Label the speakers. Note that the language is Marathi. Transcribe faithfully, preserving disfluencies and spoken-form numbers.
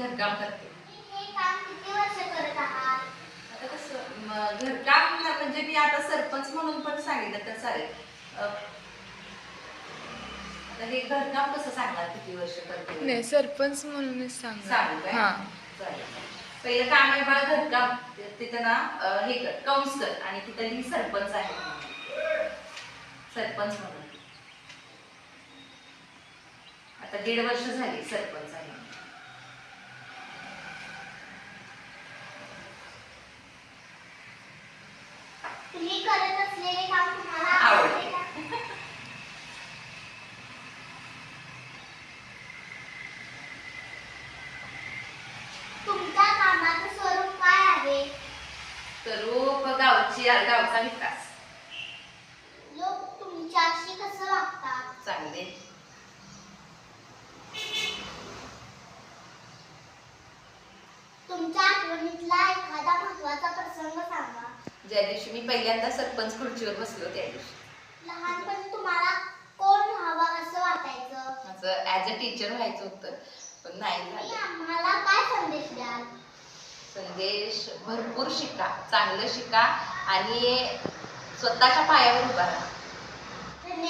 Speaker 1: घरकाम करते.
Speaker 2: हे काम किती वर्ष करत आहात?
Speaker 1: आता कसं घरकाम म्हणजे मी आता सरपंच म्हणून पण सांगितलं तर चालेल. आता हे घरकाम कसं सांगणार किती वर्ष करते?
Speaker 3: नाही, सरपंच म्हणूनच सांगा.
Speaker 1: सांगू काय?
Speaker 3: हां.
Speaker 1: चालेल. पहिलं काम आहे बा घरकाम. तिथं ना हे कर कंस कर आणि तिथं लिही सरपंच आहे. सरपंच म्हणून आता दीड वर्ष झाली सरपंच आहे.
Speaker 2: तुम्ही करत असलेले काम तुम्हाला
Speaker 1: आवडते.
Speaker 2: आवडते का? तुमच्या कामाचं स्वरूप काय आहे?
Speaker 1: स्वरूप गावची गावचा विकास.
Speaker 2: लोक तुमच्याशी कसं वागतात?
Speaker 1: चांगले.
Speaker 2: तुमच्या आठवणीतला एखादा महत्त्वाचा प्रसंग सांगा.
Speaker 1: ज्या दिवशी मी पहिल्यांदा सरपंच खुर्चीवर बसलो त्या दिवशी.
Speaker 2: लहानपणी तुम्हाला कोण व्हावं असं वाटायचं?
Speaker 1: माझं ॲज अ टीचर व्हायचं होतं पण नाही
Speaker 2: तुम्ही
Speaker 1: झालं.
Speaker 2: आम्हाला काय संदेश द्याल?
Speaker 1: संदेश भरपूर शिका, चांगलं शिका आणि स्वतःच्या पायावर उभा राहा.